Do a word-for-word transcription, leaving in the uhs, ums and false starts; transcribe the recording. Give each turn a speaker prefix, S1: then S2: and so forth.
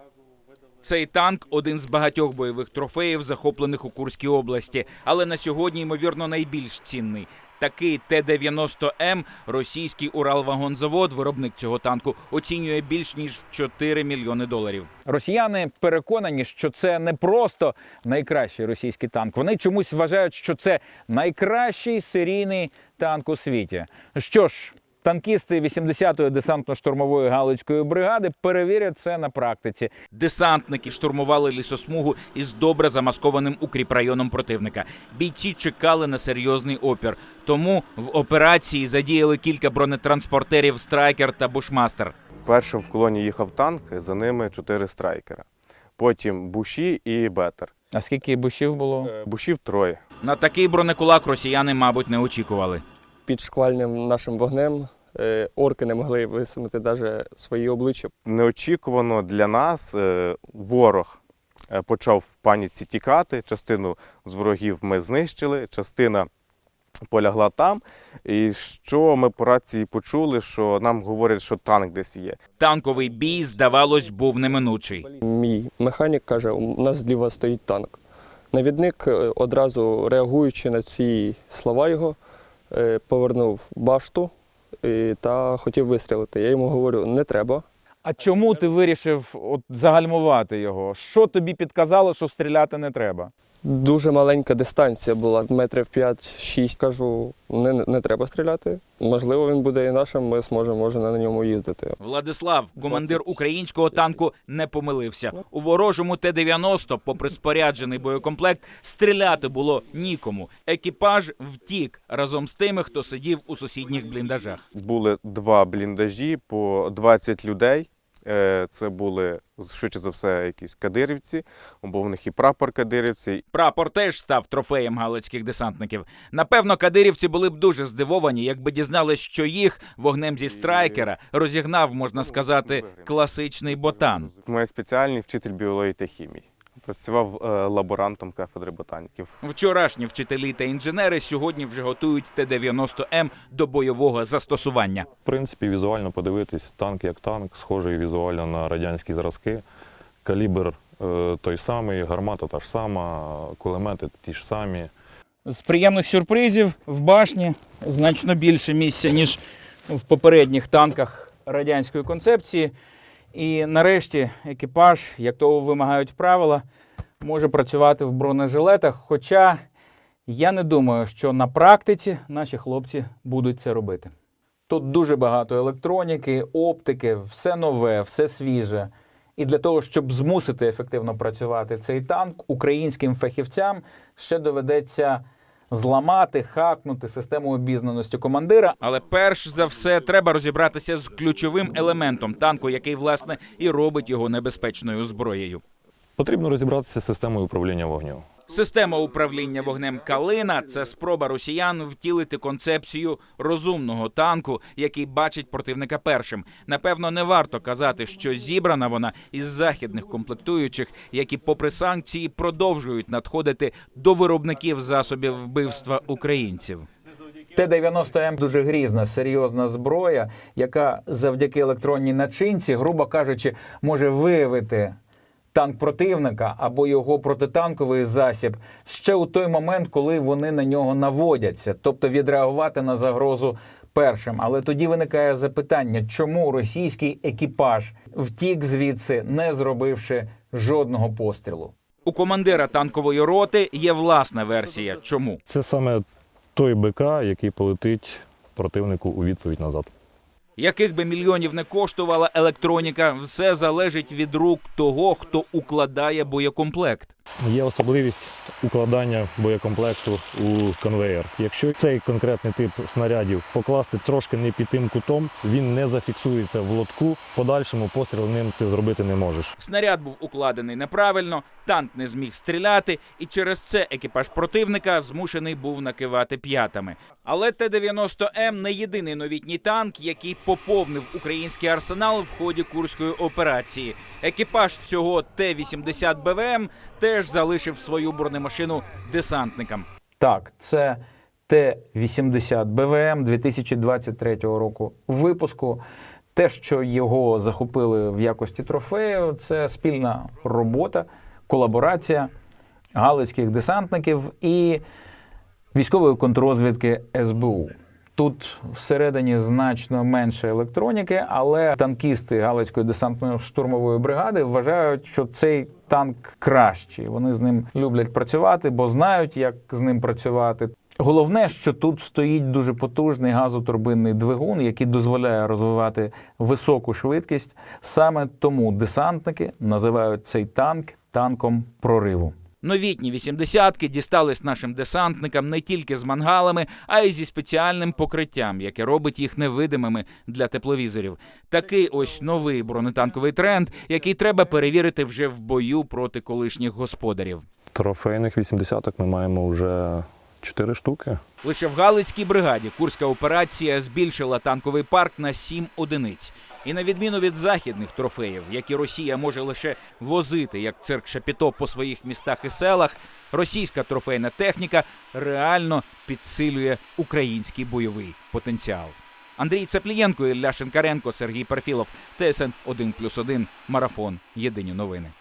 S1: Цей танк – один з багатьох бойових трофеїв, захоплених у Курській області, але на сьогодні, ймовірно, найбільш цінний. Такий Т дев'яносто М російський Уралвагонзавод, виробник цього танку, оцінює більш ніж в чотири мільйони доларів. Росіяни переконані, що це не просто найкращий російський танк. Вони чомусь вважають, що це найкращий серійний танк у світі. Що ж, танкісти вісімдесятої десантно-штурмової Галицької бригади перевірять це на практиці. Десантники штурмували лісосмугу із добре замаскованим укріпрайоном противника. Бійці чекали на серйозний опір. Тому в операції задіяли кілька бронетранспортерів «Страйкер» та «Бушмастер».
S2: Першим в колоні їхав танк, за ними чотири «Страйкера». Потім «Буші» і «Бетер».
S1: А скільки бушів було?
S2: «Бушів» троє.
S1: На такий бронекулак росіяни, мабуть, не очікували.
S3: Під шквальним нашим вогнем орки не могли висунути навіть свої обличчя.
S2: Неочікувано для нас ворог почав в паніці тікати. Частину з ворогів ми знищили, частина полягла там. І що ми по рації почули, що нам говорять, що танк десь є.
S1: Танковий бій, здавалось, був неминучий.
S3: Мій механік каже, у нас зліва стоїть танк. Навідник, одразу реагуючи на ці слова його, повернув башту та хотів вистрілити. Я йому говорю, не треба.
S1: А чому ти вирішив от загальмувати його? Що тобі підказало, що стріляти не треба?
S3: Дуже маленька дистанція була, метрів п'ять-шість. Кажу, не, не треба стріляти. Можливо, він буде і нашим, ми зможемо може, на ньому їздити.
S1: Владислав, командир українського танку, не помилився. У ворожому Т дев'яносто, попри споряджений боєкомплект, стріляти було нікому. Екіпаж втік разом з тими, хто сидів у сусідніх бліндажах.
S2: Були два бліндажі по двадцять людей. Це були, швидше за все, якісь кадирівці, бо в них і прапор кадирівці.
S1: Прапор теж став трофеєм галицьких десантників. Напевно, кадирівці були б дуже здивовані, якби дізналися, що їх вогнем зі «Страйкера» розігнав, можна сказати, класичний ботан.
S2: Моя спеціальність – вчитель біології та хімії. Працював лаборантом кафедри ботаніків.
S1: Вчорашні вчителі та інженери сьогодні вже готують Т дев'яносто М до бойового застосування.
S4: В принципі, візуально подивитись, танк як танк, схожий візуально на радянські зразки. Калібр е, той самий, гармата та ж сама, кулемети ті ж самі.
S1: З приємних сюрпризів в башні значно більше місця, ніж в попередніх танках радянської концепції. І нарешті екіпаж, як того вимагають правила, може працювати в бронежилетах, хоча я не думаю, що на практиці наші хлопці будуть це робити. Тут дуже багато електроніки, оптики, все нове, все свіже. І для того, щоб змусити ефективно працювати цей танк, українським фахівцям ще доведеться зламати, хакнути систему обізнаності командира. Але перш за все треба розібратися з ключовим елементом танку, який, власне, і робить його небезпечною зброєю.
S4: Потрібно розібратися з системою управління вогнем.
S1: Система управління вогнем «Калина» – це спроба росіян втілити концепцію розумного танку, який бачить противника першим. Напевно, не варто казати, що зібрана вона із західних комплектуючих, які, попри санкції, продовжують надходити до виробників засобів вбивства українців. Т дев'яносто М – дуже грізна, серйозна зброя, яка завдяки електронній начинці, грубо кажучи, може виявити танк противника або його протитанковий засіб ще у той момент, коли вони на нього наводяться, тобто відреагувати на загрозу першим. Але тоді виникає запитання, чому російський екіпаж втік звідси, не зробивши жодного пострілу? У командира танкової роти є власна версія. Чому?
S4: Це саме той БК, який полетить противнику у відповідь назад.
S1: Яких би мільйонів не коштувала електроніка, все залежить від рук того, хто укладає боєкомплект.
S4: Є особливість укладання боєкомплекту у конвеєр. Якщо цей конкретний тип снарядів покласти трошки не під тим кутом, він не зафіксується в лотку, в подальшому постріл ним ти зробити не можеш.
S1: Снаряд був укладений неправильно, танк не зміг стріляти, і через це екіпаж противника змушений був накивати п'ятами. Але Т дев'яносто М – не єдиний новітній танк, який поповнив український арсенал в ході Курської операції. Екіпаж цього Т вісімдесят Б В М теж залишив свою бронемашину десантникам. Так, це Т вісімдесят Б В М дві тисячі двадцять третього року випуску. Те, що його захопили в якості трофею, це спільна робота, колаборація галицьких десантників і військової контррозвідки ес бе у. Тут всередині значно менше електроніки, але танкісти Галицької десантно-штурмової бригади вважають, що цей танк кращий. Вони з ним люблять працювати, бо знають, як з ним працювати. Головне, що тут стоїть дуже потужний газотурбинний двигун, який дозволяє розвивати високу швидкість. Саме тому десантники називають цей танк танком прориву. Новітні вісімдесятки дістались нашим десантникам не тільки з мангалами, а й зі спеціальним покриттям, яке робить їх невидимими для тепловізорів. Такий ось новий бронетанковий тренд, який треба перевірити вже в бою проти колишніх господарів.
S4: Трофейних вісімдесяток ми маємо вже чотири штуки.
S1: Лише в Галицькій бригаді курська операція збільшила танковий парк на сім одиниць. І на відміну від західних трофеїв, які Росія може лише возити, як цирк Шапіто, по своїх містах і селах, російська трофейна техніка реально підсилює український бойовий потенціал. Андрій Цаплієнко, Ілля Шинкаренко, Сергій Перфілов, Т С Н один плюс один, Марафон. Єдині новини.